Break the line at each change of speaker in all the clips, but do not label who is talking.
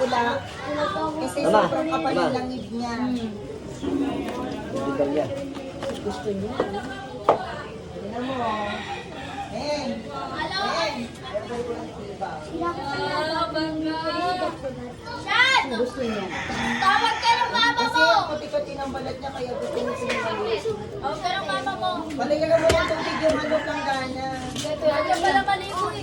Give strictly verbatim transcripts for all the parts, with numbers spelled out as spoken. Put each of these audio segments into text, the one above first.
pula. Kasi
Tama.
sobrang kapal
Tama.
yung langib niya.
Bibigyan niya.
Gusto niya. Tingnan mo. En. En. Gusto niya.
Tawag ka ng mama
Kasi
mo!
ang puti-puti ng balat niya kaya gusto niya sinimali.
Tawag ka ng mama mo!
Palagyan mo yung tubig yung ano ng gana.
Tawag ka pala maligo eh.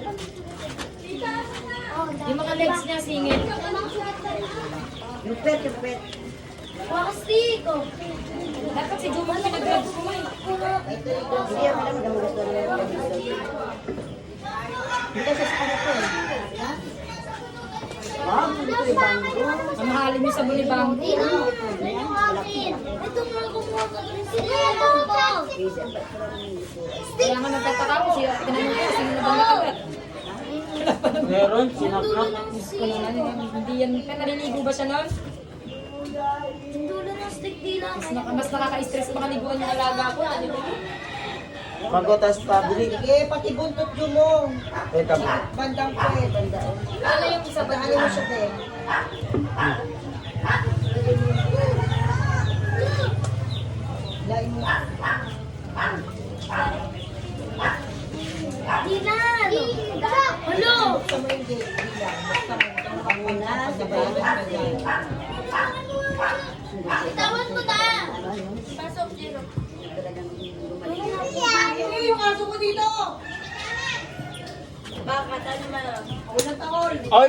Yung mga legs niya singit.
Yung pet, yung pet.
Wakastik ko.
Dapat si Jumong pinag-grabs ko eh.
Hindi yan alam mo gusto niya. Hindi kasi sa kanya ko eh. Ah, gusto ko yung bangko.
Mamahalin niyo sa bulibang.
Ito yung akin. Ito mo kumuha ka rin sila. Ito po.
Kaya nga nagtataka ko siya. Tinanong ko, sino na ba nakagat?
Meron, sinaknak.
Ko naman, hindi yan. Kaya naliligo ba siya nun?
Dulo ng stick di lang.
Mas, naka, mas nakaka-stress pa kaliguan yung alaga ko.
Pagotas pabili.
Sige, pati buntot yung mo.
Eh, tabi.
Bandang ko eh, bandang.
Wala yung isa ba?
Daanin mo siya eh. Lain mo.
Di na. Hello.
Buksan mo yung gate. Bilang. Buksan mo. Buksan mo na.
Itawan mo ta. Pasok, Jero.
Ano yung aso mo dito?
Bakit? Ano man?
Unang taon.
Ay!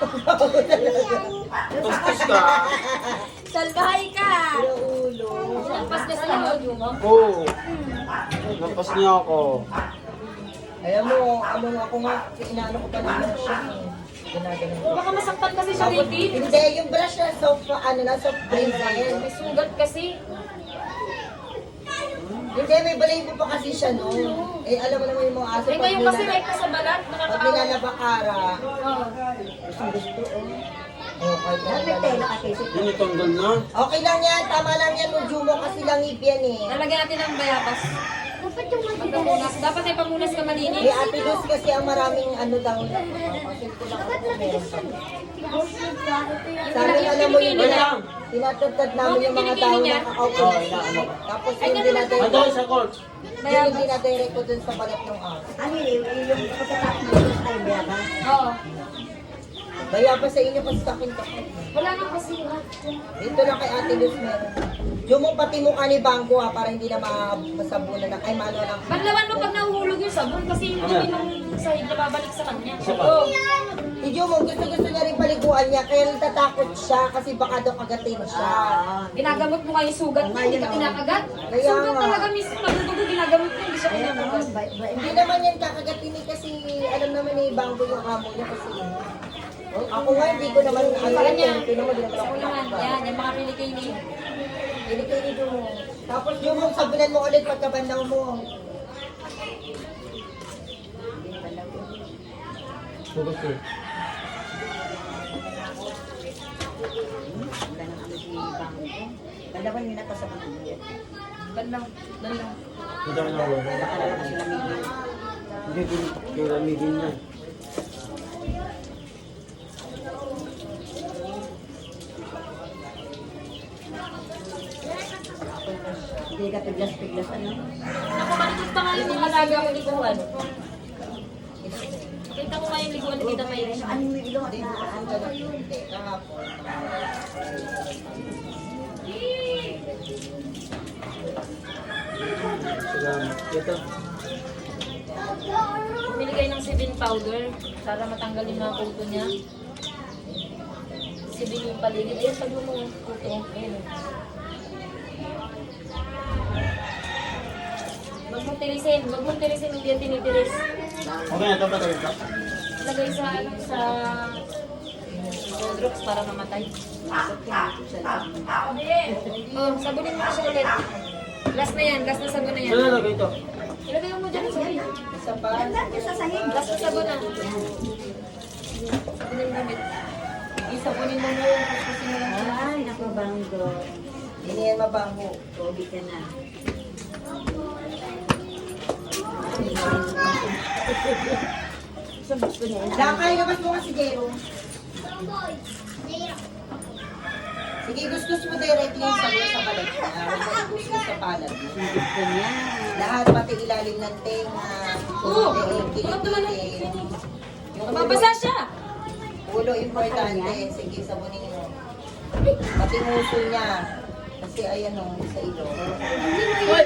Tustos ka.
Salbahay ka.
Pero ulo.
Nagpas niya sa iyo, Jumong.
Oo. Napas niya ako.
Alam mo, ano ako nga, inaano ko pa naman siya. Ginagano ko.
Baka masaktan kasi siya
Tapos,
dito.
hindi, yung brush na soft, ano na, soft brain na yun.
May sugat kasi.
Hindi, may balahibo pa kasi siya no. Eh, alam mo naman yung mga aso.
Eh ngayon kasi may pa sa balat.
Pag
Nakakaawa.
nilalabakara,
Oo.
gustong gusto, oh. Okay, tela kasi.
Tinitanggal na.
Okay lang yan, tama lang yan, Ujumo, kasi langib yan eh.
Lalagyan natin ng bayabas.
Dapat yung
Pagkamunas. Dapat may pamunas ka
Eh,
malinis.
Ate Luz kasi ang maraming ano daw. Kasi ko lang ako meron pa. Sabi nga alam mo yung
Wala.
tinatagtad namin yung mga tao na kakaupo.
Oo, inaano ko.
Tapos yung dinadirect
Ando sa court.
yun yung dinadirect ko dun sa balat ng aso.
Ano yun, yung pagkatapos ng gusto kayo bayabas?
Oo.
Kaya pa sa inyo kasi takin ka.
Wala nang kasi.
Dito lang kay Ate Luz meron. Yung mong pati mukha ni Bangko ha, para hindi na ma- masabunan ng, ay maano lang.
Banlawan mo pag nahuhulog yung sabon kasi yung dumi nung sahig na babalik sa kanya.
Isa pa.
Oo.
Si Jumo, gusto-gusto niya rin paliguan niya, kaya natatakot siya kasi baka daw kagatin siya.
Ginagamot mo nga yung sugat mo, hindi ka kinakagat.
Kaya
Sugat
nga.
talaga mismo, nagudugo, ginagamot mo, hindi siya kinakagat.
Hindi naman yan kakagatin eh, kasi alam naman ni Bangko yung amo niya kasi. Ako nga, hindi ko naman ano
Sa kanya,
yan, ito naman din
ako naman, yan, yan mga pilikini.
Hindi kayo ni Jumo. Tapos Jumo, sabunan mo ulit pagkabandaw mo.
Sugat eh.
Wala nang ano si Bangko. Dalawan yun na sa mga biyat.
Banlaw, banlaw.
Ito na ako.
Nakalawa ko sila medyo.
Hindi din kiramigin na.
Hindi ka piglas-piglas ano.
Ako, malikot pa nga yung alaga ko liguan. Kita ko nga yung liguan ni Tita May.
Ano yung ilo at na ano.
Hindi, kahapon.
Salamat. Ito.
Bumili kayo ng Sibin powder para matanggal yung mga kuto niya. Sibin yung paligid. Ayun, pag mo kuto. Ayun. Huwag mong tirisin. Huwag mong tirisin. Hindi yan tinitiris.
Okay na ito ba tayo ito?
Lagay sa, ano, sa drops para mamatay. Oh, sabunin mo na siya ulit. Last na yan. Last na sabon na yan.
Saan nalagay ito?
Ilagay mo dyan sa sabon.
Isa pa.
Ganda ka sa sahig.
Last na sabon na. Sabon yung gamit. Isabunin mo mo yung kasi mo lang.
Ay, naku Bangko.
Hindi yan mabango.
Tubig ka na. Sa gusto niya.
Lakay, labas mo kasi Jero.
Bamboy.
Sige, gustos mo directly yung sabon sa balat niya. Huwag mo gustos sa palad mo.
Gusto niya.
Lahat, pati ilalim ng tenga,
Oo.
yung
Tulad naman ng
kilikili. Yung
Mababasa siya.
ulo, importante. Sige, sabunin mo. Pati nguso niya. Kasi ayan o, sa ilong.
Hoy!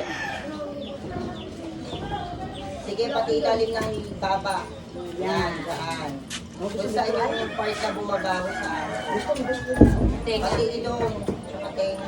Sige, pati ilalim ng baba. Yan, daan. Kung saan yung part na bumabaho sa araw.
Gusto mo, gusto mo.
Tenga.
Pati ilong, tsaka tenga.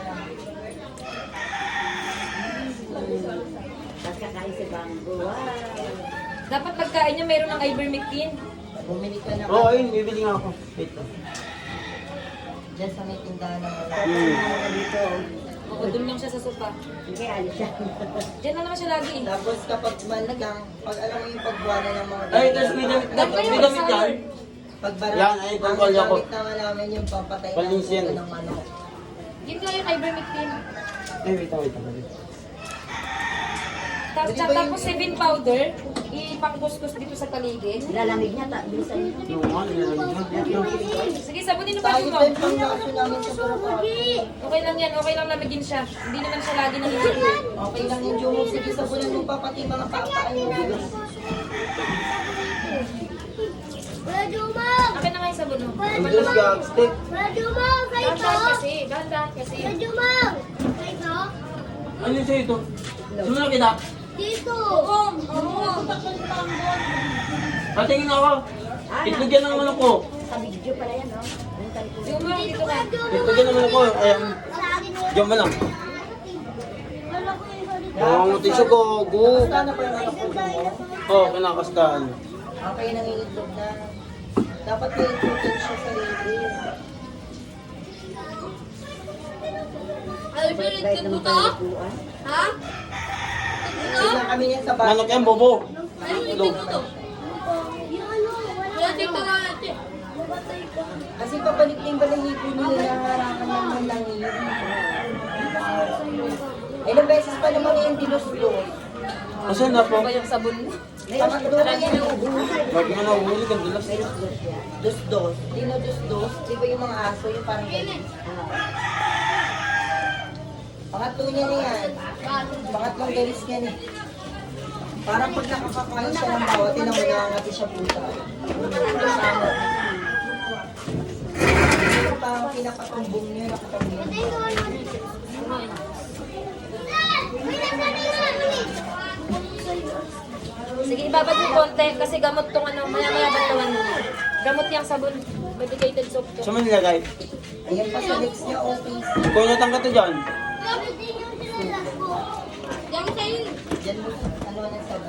Tapos kakain si Bambo. Wow.
Dapat pagkain niya meron ng ivermectin.
Bumili ka na
Oo, ayun, bibili nga ako. Wait lang.
dyan sa may tindahan ng wala.
Hmm.
Ano dito?
Oo, doon lang siya sa sopa.
Hindi, alis siya.
Diyan na naman siya lagi. eh.
Tapos kapag man lang, pag alam mo yung pagbuwana ng mga
Ay, tapos may damit,
Dapat
may
yung
damit yan.
Pagbara,
Yan, ay,
ang
tungkol ako.
gamit naman namin yung pampatay ng
Palinsin.
puto ng manok.
Yun nga yung ivermectin.
Ay, wait lang, wait lang. wait lang.
Tapos,
Pwede ba yung-
tapos seven powder, ipangkuskus dito sa paligid.
Nilalamig niya, ta, bilisan niya.
Yung nga, nilalagyan niya.
Sige, sabunin mo pa
Tayo
mo.
din pang naso namin sa Boracay.
Okay lang yan, okay lang lamigin siya. Hindi naman siya lagi nangyayari.
Okay lang yung jumog. Sige, sabunan mo pa pati mga papaan mo.
Wala dumang!
Akin na nga yung sabon mo.
Ang Diyos, gag, stick.
Wala dumang! Kayo to!
Dahan kasi, dahan kasi.
Wala dumang! Kayo to?
Ano yung sa'yo ito? Sino na kita?
Dito!
Patingin ako. Itlog yan ang manok ko.
Sa video pala yan, no? Yung talikod.
Yung mga dito ka.
Itlog yan ang manok ko. Ayan.
Sa akin mo.
Diyan mo lang.
Wala ko yung salita.
Nanganguti siya ko. Gu.
Basta na pa yung anak ko mo.
Oo, oh, kinakastaan.
Okay, nangingitlog na. Dapat may itlogin siya sa lady.
Ay,
Bait naman tayo nagpuan.
Ha?
Tignan kami niyan sa bahay.
Manok yan, bobo.
Ay,
Itlog.
Yung ano, wala. Wala dito na natin. Mabatay ka.
Kasi pabalik na yung balahibo nila na harangan ng malangin. Ilang beses pa naman yung dilos-los.
Kasi na po.
Ba yung sabon mo?
Pangatlo na yan yung
Lagi nga nahuli kang dulas.
dos-dos. Dino dos-dos. Di ba yung mga aso yung parang ganyan? Pangatlo niya na yan. Pangatlong galis niya na. Parang pag nakakakain siya ng bawat, tinamulangati siya puta. Kasama. Ito parang pinakatumbong niya, nakatumbong niya.
Sige, ibabad mo konti kasi gamot tong ano, maya-maya batawan mo. Gamot yung sabon, medicated soap to.
Saan mo nilagay?
Ayan pa sa lips niya, okay.
Kung natang ka to dyan.
Yang sa'yo.
Diyan mo, ano na sabi.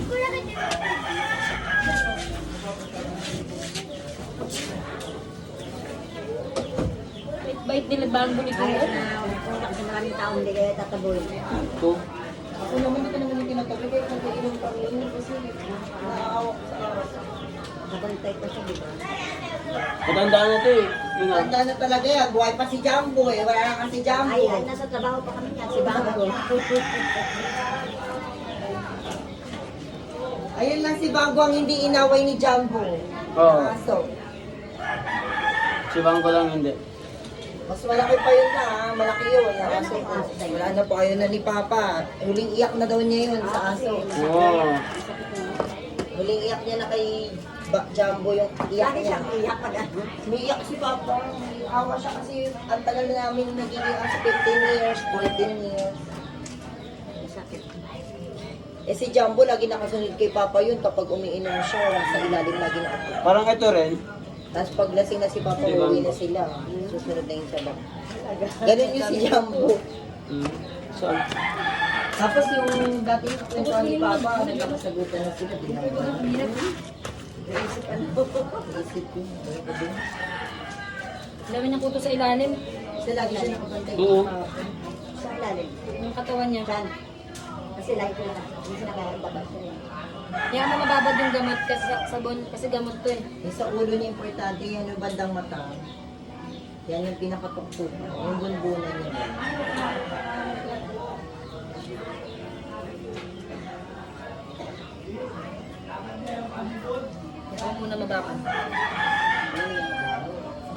Bait nila bang bunito
Ay,
mo?
na, punta kasi maraming tao, hindi kaya tataboy.
Ito.
Ako naman ito naman yung tinatabi ko, kung inom kami yun kasi naaawak sa araw.
Nakabantay ko siya, di ba?
Matandaan na ito eh. Yun nga.
Tanda na talaga yan, buhay pa si Jumbo eh, wala na kasi Jumbo.
Ay, ay, nasa trabaho pa kami yan, si Bambo.
Ayun lang si Bago ang hindi inaway ni Jumbo.
Oo.
Aso.
Si Bangko lang hindi.
Mas malaki pa yun na, ha? Malaki yun. Yung aso. Wala na po kayo na ni Papa. Huling iyak na daw niya yun sa aso.
Oo.
Huling iyak niya na kay ba- Jumbo yung iyak
Lagi
niya.
siyang iyak pag ano.
Umiiyak si Papa. Awa siya kasi ang tagal na namin nagiging aso. fifteen years, fourteen years.
Sakit.
Eh si Jumbo lagi nakasunod kay Papa yun kapag umiinom siya. Sa ilalim lagi nakapag.
Parang ito rin.
Tapos pag lasing na si Papa,
Di ba?
uwi na sila. Susunod na yung sabak. Ganun yung si Jumbo.
Hmm. Saan?
Tapos yung dati yung kwentuhan ni Papa, nagkakasagutan na sila. Di ba?
Naisip ano.
Isip ko.
Dami ng kuto sa ilalim.
Kasi lagi siya nakapantay.
Oo.
Sa ilalim.
Yung katawan niya.
Saan? Kasi lagi ko na. Hindi siya nakakababa siya. eh.
Kaya mo mababad yung gamot kasi sa sabon, kasi gamot to eh.
Yung sa ulo niya importante, yan yung bandang mata. Yan yung pinakatuktok. Yung bunbunan niya.
Ikaw muna mababad.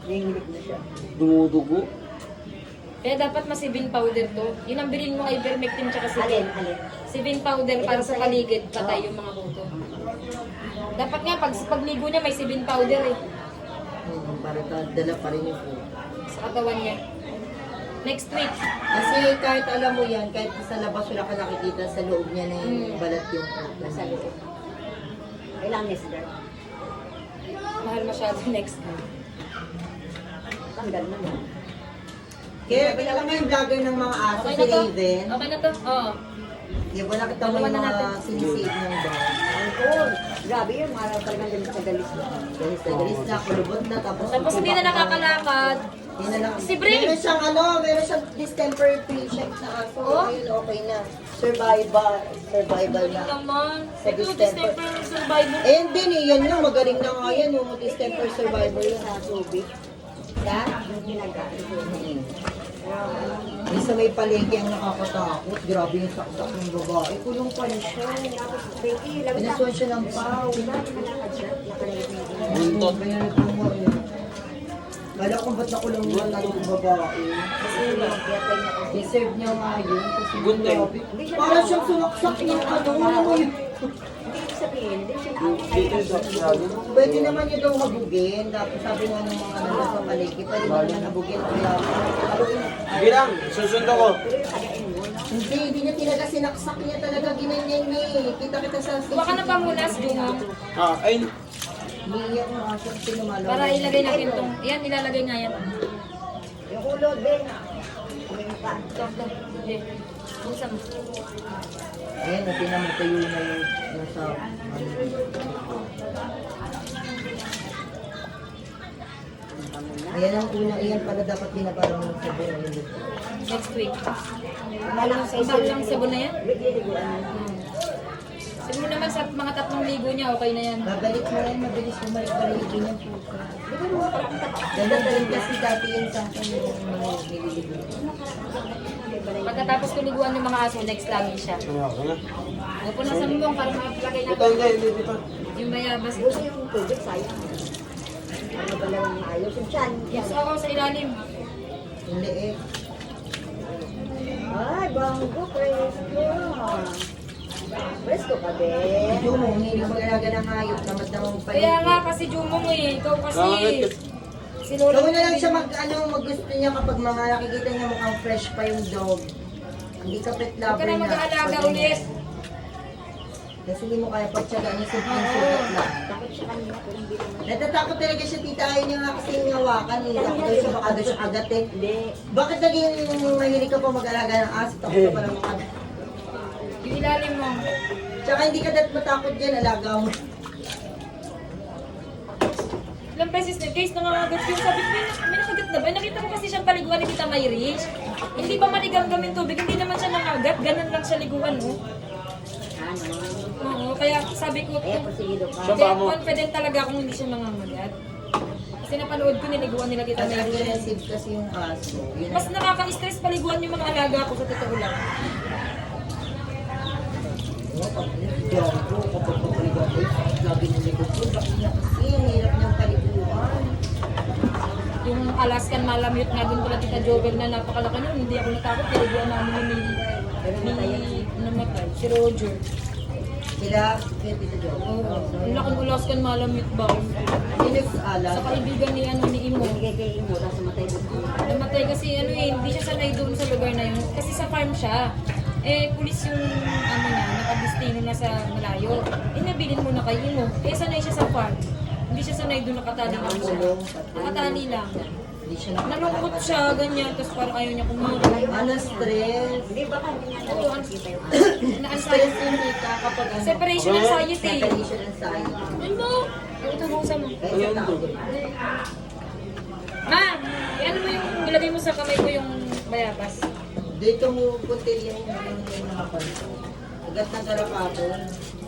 Nanginginig na siya.
Dumudugo.
Kaya dapat masibin powder to. Yun ang bilhin mo kay Ivermectin tsaka
Alin,
sibin.
alin.
Sibin powder para sa paligid, patay yung mga kuto. Dapat nga, pag pagligo niya may sibin powder eh.
Hmm, para ka- dala pa rin yung po.
Sa katawan niya. Next week.
Kasi kahit alam mo yan, kahit sa labas wala ka nakikita, sa loob niya na yung
Hmm.
balat yung po.
Nasa loob. Kailangan Nestor.
Mahal masyado next week.
Tanggal na mo.
Kaya alam mo yung vlogger ng mga aso,
Okay
si
na to?
Raven.
Okay na to? Oo.
Di ba nakita mo
Dalawa
yung
na
mga
natin.
sinisave ng dog?
Ang cool. Grabe yun, mahal talagang ganito sa galis na.
Galis na galis na, kulubot na, tapos...
Tapos hindi na nakakalakad.
Hindi na lang.
Si Brie!
Meron siyang ano, meron siyang distemper patient na aso.
Oh?
Ayun, okay na. Survival. Survival
Galing
na.
naman.
Sa
Ito,
distemper.
distemper survivor.
Eh, hindi eh. Yan yung magaling na nga yan. Yung distemper survivor yun.
Sa tubig.
Ha?
Yung ginagamit ko.
Minsan may palengke ang nakakatakot. Grabe yung saksak ng babae. Kulong pa rin siya.
Tapos, Becky, labas na.
Pinasuan siya ng pao.
Diba, nakalakad siya? Nakalagay niya.
Buntot.
Kaya nagtungo eh. Kala ko ba't nakulong yung tatlong babae?
Kasi yun, kaya tayo na kasi.
Deserve niya nga yun. Kasi
Gunting.
grabe. Parang siyang sumaksak ng ano. Ano mo yun?
Hindi ko sabihin, hindi siya
Dito sa sabi.
Pwede naman niya daw habugin. Tapos sabi nga ng mga nandun sa palengke, pwede naman niya habugin. Kaya,
Sige lang, susundo ko.
Pero yung kagain mo, no?
hindi, hindi niya talaga sinaksak niya talaga ginanyan niya eh. Kita-kita sa
Kuha ka na pamunas, Jumong.
Ah, ayun.
Niiyak ng aso kasi lumalaw.
Para ilagay natin itong... Yan, ilalagay nga yan.
Yung ulo, Ben. Yung pa.
Ito, ito. Okay. Buksan mo.
Ayan, na pinamatayo na yung nasa... Ano, ayan ang una, ayan pala dapat binabarang ng sabon. Ayun dito.
Next week.
Malang sa
Sabag lang sabon na yan.
Nagliliguan mo.
Hmm. Siguro naman sa mga tatlong ligo niya, okay na yan.
Babalik mo yan, mabilis bumalik-balik din yung pusa.
Di ba naman parang tapak?
Ganun din kasi dati yun sa akin yung mga nililigo.
Pagkatapos tuliguan ng mga aso, next lagi siya.
Ano ako na?
Opo na sa mumong para makapilagay
Ito,
natin.
hindi, hindi pa.
Yung bayabas ito.
Gusto yung tubig, sayang. Ano ba lang ang ayos? Yung tiyan.
Yes, ako sa ilalim.
Yung leeg.
Ay, banggo, presko. Presko ka, Ben.
Yung mo, hindi mag-alaga ng hayop, tamad namang paligid.
Kaya nga kasi Jumong eh, ikaw kasi
Bakit?
si Lolo.
Gawin na lang siya mag, ano, maggusto niya kapag mga nakikita niya mukhang fresh pa yung dog. Hindi ka pet
Huwag
lover
ka na
na.
mag-aalaga
Pag-
ulit.
Kasi hindi mo kaya pagtsagaan niya sa sulat lang.
Takot siya kanina, pero hindi naman.
Natatakot talaga siya, tita. Ayaw niya nga kasi yung hawakan. Eh. Takot daw siya, baka daw siya agatin.
Hindi.
Bakit naging mahilig ka pa mag-alaga ng aso? Takot ka pa ng mga...
Yung ilalim mo.
Tsaka hindi ka dapat matakot dyan, alaga mo.
Ilang beses na guys, nangangagat yung sabi ko, may, may nakagat na ba? Nakita ko kasi siyang paliguan ni Tita Mayrish. Hindi ba maligam-gamin tubig? Hindi naman siya nangagat. Ganun lang siya liguan, oh.
Ano?
Oo, kaya sabi ko,
Kaya posigido ka.
Siya
kaya
ba mo?
confident talaga akong hindi siya nangangagat. Kasi napanood ko, niliguan nila Tita
Kasi
Mayrish.
aggressive kasi yung aso. Yun
Mas nakaka-stress paliguan yung mga alaga ko sa totoo lang.
ang pag diyan ko, kapag papaligaw ko, lagi ng likod ko. Bakit niya kasi, ang hirap niyang paliguan.
Yung Alaskan Malamute nga din pala Tita Jovel na napakalaki nun, hindi ako natakot. Niliguan namin yung may, may namatay, si Roger.
Sila, kaya Tita Jo.
Oo, ang laking Alaskan Malamute ba?
Sino ala?
Sa kaibigan ni ano ni Imo.
Hindi kay Imo, tapos matay doon.
Namatay kasi ano eh, hindi siya sanay doon sa lugar na yun. Kasi sa farm siya. Eh, pulis yung ano niya, nakadestino na sa malayo. Eh, nabilin mo na kay Imo. Eh, sanay siya sa farm. Hindi siya sanay doon, nakatali lang siya. Nakatali lang.
Hindi siya nakakalaban.
Nalungkot siya, ganyan. Tapos parang ayaw niya kumain.
Ano, stress?
Hindi ba kami nga
Oo, ang
nakikita yung
Stress yung tita kapag ano.
separation anxiety.
Separation anxiety.
Ano mo? Ang ito buksan mo.
Kaya sa tao.
Ma, eh, ano mo yung ilagay mo sa kamay ko yung bayabas?
Dito mo puntil yung yung nakapanto. Agad ng karapatong.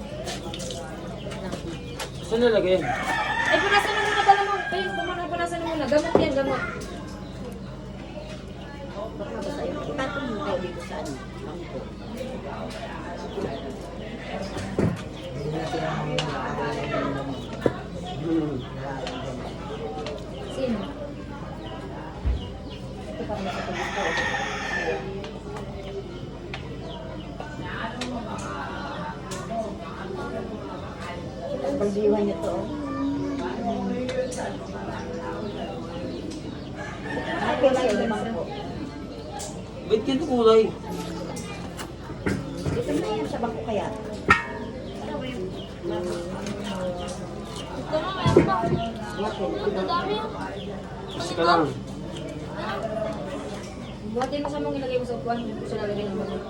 Saan nalagay yan?
Ay, punasan mo muna, dala mo. Ay, kumana, punasan mo muna. Gamot yan, gamot.
Baka mabasa yun. Itatong mo tayo dito sa ano. Bangko.
Hindi natin ang mga
Hmm.
Sino?
mo sa gusto. Pagdiwan niyo to. Ay, kulay limang po.
Ba't ganito kulay?
Ito na yan sa bangko kaya.
Ito na, meron pa.
Bakit?
Dami.
Kasi ka lang.
Buhatin mo sa mong ilagay mo sa upuan. Hindi ko siya lalagay ng bago.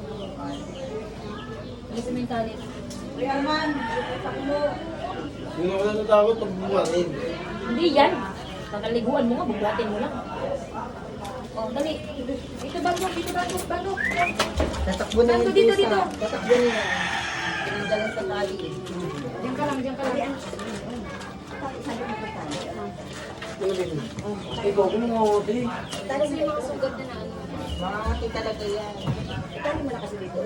Ilagay mo yung tali.
Hindi ako natatakot pag bumatin.
Hindi yan. Pagkaliguan mo nga, bubuhatin mo lang. Oh, dali. Dito bago, dito bago, bago.
Tatakbo na
Dito,
yung
dito,
pusa.
dito.
Tatakbo na yan. Pinagdalan sa tali.
Diyan ka lang, diyan ka lang.
Ano ba yun? Ikaw, kung mga ate.
Kasi yung mga sugat na na ano.
Makakati talaga yan.
Tali mo na kasi dito.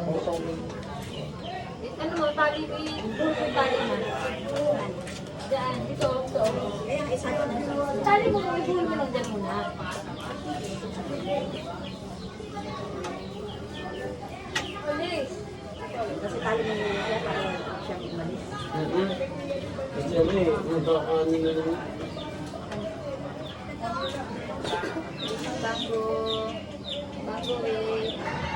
Ano mo, tali mo yung yung tali mo. Diyan, dito, dito.
Kaya isa ko na.
Tali mo, ibuhin mo lang dyan muna. Alis.
Kasi tali mo na siya para siya umalis.
Mm-mm. Kasi ano eh, nagkakanin na lang.
Bago. Bago eh.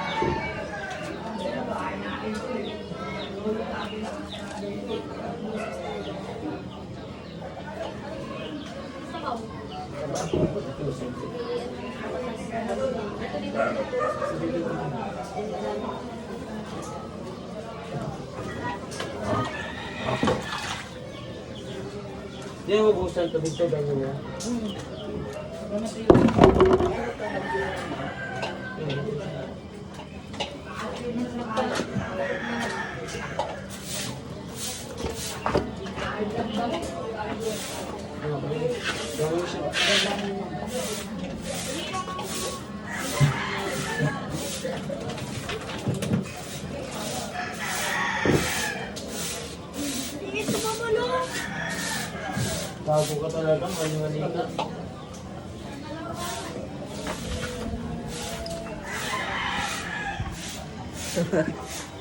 Hindi mo busan ito dito, ganyan na. Gawin siya. Bago ka talaga, mali-mali ka.